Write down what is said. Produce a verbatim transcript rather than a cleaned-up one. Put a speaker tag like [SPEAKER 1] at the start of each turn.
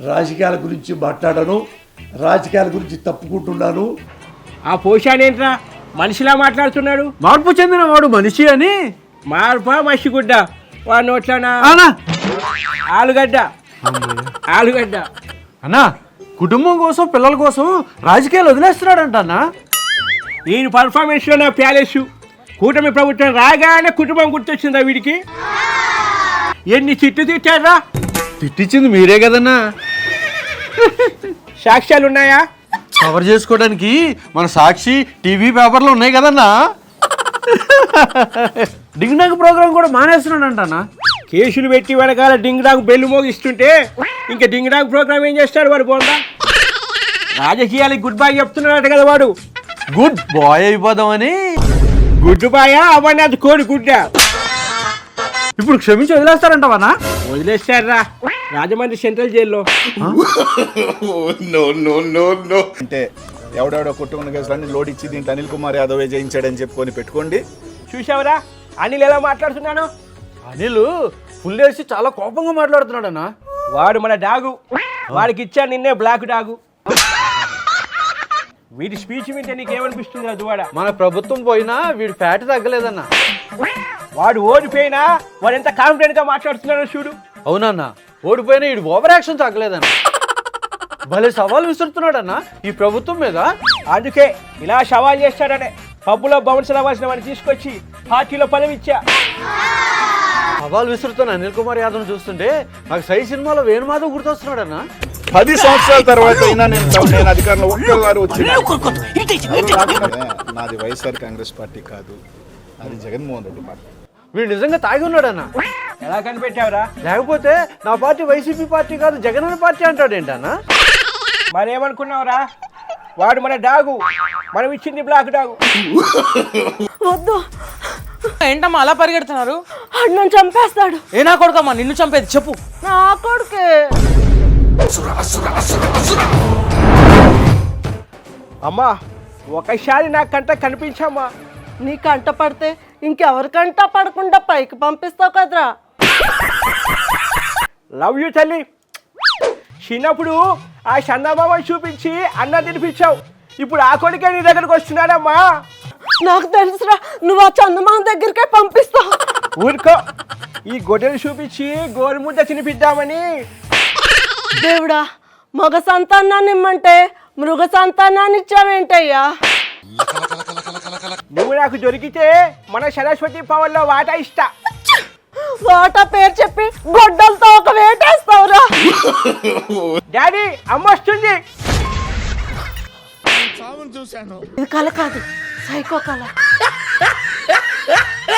[SPEAKER 1] రాజకీయాల గురించి మాట్లాడను, రాజకీయాల గురించి తప్పుకుంటున్నాను.
[SPEAKER 2] ఆ పోషానేంట్రా మనిషిలా మాట్లాడుతున్నాడు?
[SPEAKER 3] మార్పు చెందిన వాడు మనిషి అని.
[SPEAKER 2] మార్పా మసిగుడ్డ? వాడు నోట్లోనా
[SPEAKER 3] అన్నా
[SPEAKER 2] ఆలుగడ్డ ఆలుగడ్డ
[SPEAKER 3] అన్నా కుటుంబం కోసం పిల్లల కోసం రాజకీయాలు వదిలేస్తున్నాడంట అన్నా.
[SPEAKER 2] ఈయన పర్ఫార్మెన్స్లో నా ప్యాలెస్ కూటమి ప్రభుత్వం రాగానే కుటుంబం గుర్తొచ్చిందా వీడికి? ఎన్ని చిట్టు తిట్టారా?
[SPEAKER 3] తిట్టించింది మీరే కదన్నా.
[SPEAKER 2] సాక్ష్యాలు ఉన్నాయా?
[SPEAKER 3] కవర్ చేసుకోవడానికి మన సాక్షి టీవీ పేపర్లు ఉన్నాయి కదన్నా. డింగ్నాగ్ ప్రోగ్రాం కూడా మానేస్తున్నాడంట అన్నా.
[SPEAKER 2] కేసులు పెట్టి వెనకాల డింగ్ డాంగ్ బెల్లు మోగిస్తుంటే ఇంకా డింగ్ డాంగ్ ప్రోగ్రామ్ ఏం చేస్తాడు వాడు? బోండా రాజకీయాలకి గుడ్ బై చెప్తున్నాడు కదా వాడు.
[SPEAKER 3] గుడ్ బాయ్ అయిపోదామని.
[SPEAKER 2] గుడ్ బాయా అవన్నీ కోడి గుడ్డ.
[SPEAKER 3] ఇప్పుడు క్షమించి వదిలేస్తారంటవన్నా?
[SPEAKER 2] వదిలేస్తారా రాజమండ్రి సెంట్రల్ జైల్లో.
[SPEAKER 4] అంటే ఎవడెవడో కుటుంబ కేసులన్నీ లోడ్ ఇచ్చి దీంట్లో అనిల్ కుమార్ యాదవ్ జయించాడని చెప్పుకొని పెట్టుకోండి.
[SPEAKER 2] చూసావరా అనిల్ ఎలా మాట్లాడుతున్నాను?
[SPEAKER 3] అనిల్ ఫుల్ వేసి చాలా కోపంగా మాట్లాడుతున్నాడన్నా.
[SPEAKER 2] వాడు మన డాగు, వాడికి ఇచ్చా నిన్నే బ్లాక్ డాగు. వీడి స్పీచ్ వింటే నీకేమనిపిస్తుంది? అది వాడ
[SPEAKER 3] మన ప్రభుత్వం పోయినా వీడి ఫ్యాట్ తగ్గలేదన్నా.
[SPEAKER 2] వాడు ఓడిపోయినా వాడు ఎంత కాన్ఫిడెంట్ గా మాట్లాడుతున్నాడో చూడు.
[SPEAKER 3] అవునన్నా ఓడిపోయినా వీడు ఓవర్ యాక్షన్ తగ్గలేదన్నా. భలే సవాల్ విసురుతున్నాడన్నా ఈ ప్రభుత్వం మీద.
[SPEAKER 2] అందుకే ఇలా సవాల్ చేస్తాడనే పబ్బులో బౌన్స్ అవ్వాల్సిన వాడిని తీసుకొచ్చి పార్టీలో పదవి ఇచ్చా.
[SPEAKER 3] సవాల్ విసురుతున్న అనిల్ కుమార్ యాదవ్ చూస్తుంటే నాకు సై సినిమాలో వేణుమాధవ్ గుర్తొస్తున్నాడన్నా.
[SPEAKER 4] పది సంవత్సరాల తర్వాత అయినా నేను నేను అధికారంలో ఒక్కసారి వచ్చిన. నాది వైఎస్ఆర్ కాంగ్రెస్ పార్టీ కాదు, అది జగన్మోహన్ రెడ్డి పార్టీ.
[SPEAKER 3] వీడు నిజంగా తాగి ఉన్నాడన్నా.
[SPEAKER 2] ఎలా కనిపెట్టావురా?
[SPEAKER 3] లేకపోతే నా పార్టీ వైసీపీ పార్టీ కాదు జగన్ పార్టీ అంటాడేంటన్నా?
[SPEAKER 2] మరేమనుకున్నావురా? వాడు మన డాగు, మనం ఇచ్చింది బ్లాక్ డాగు.
[SPEAKER 5] వద్దు.
[SPEAKER 6] ఏంటమ్మా అలా పరిగెడుతున్నారు?
[SPEAKER 5] అన్నం చంపేస్తాడు.
[SPEAKER 6] ఏ నా కొడుకమ్మా నిన్ను చంపేది చెప్పు.
[SPEAKER 5] నా కొడుకే.
[SPEAKER 2] అమ్మా ఒకసారి నా కంట కనిపించమ్మా.
[SPEAKER 5] నీ కంట పడితే ఇంకెవరికంట పడకుండా పైకి పంపిస్తావు కదరా.
[SPEAKER 2] లవ్ యూ తల్లి. చిన్నప్పుడు ఆ చందమామని చూపించి అన్న తినిపించావు, ఇప్పుడు ఆ కొడుకే నీ దగ్గరకు వస్తున్నాడమ్మా.
[SPEAKER 5] నాకు తెలుసురా నువ్వు ఆ చందమామ దగ్గరికే పంపిస్తావు.
[SPEAKER 2] ఊరుకో, ఈ గొడ్డలు చూపించి గోరుముద్ద తినిపిద్దామని.
[SPEAKER 5] దేవుడా, మగ సంతానాన్ని ఇమ్మంటే మృగ సంతానాన్ని ఇచ్చావేంటయ్యా?
[SPEAKER 2] నువ్వు నాకు దొరికితే మన సరస్వతి పవన్లో వాటా ఇస్తా.
[SPEAKER 5] వాటా పేరు చెప్పి గొడ్డలతో ఒక వేటేస్తావురా.
[SPEAKER 2] డాడీ అమ్మ వస్తుంది.
[SPEAKER 5] ఇది కళ కాదు, సైకో కళ.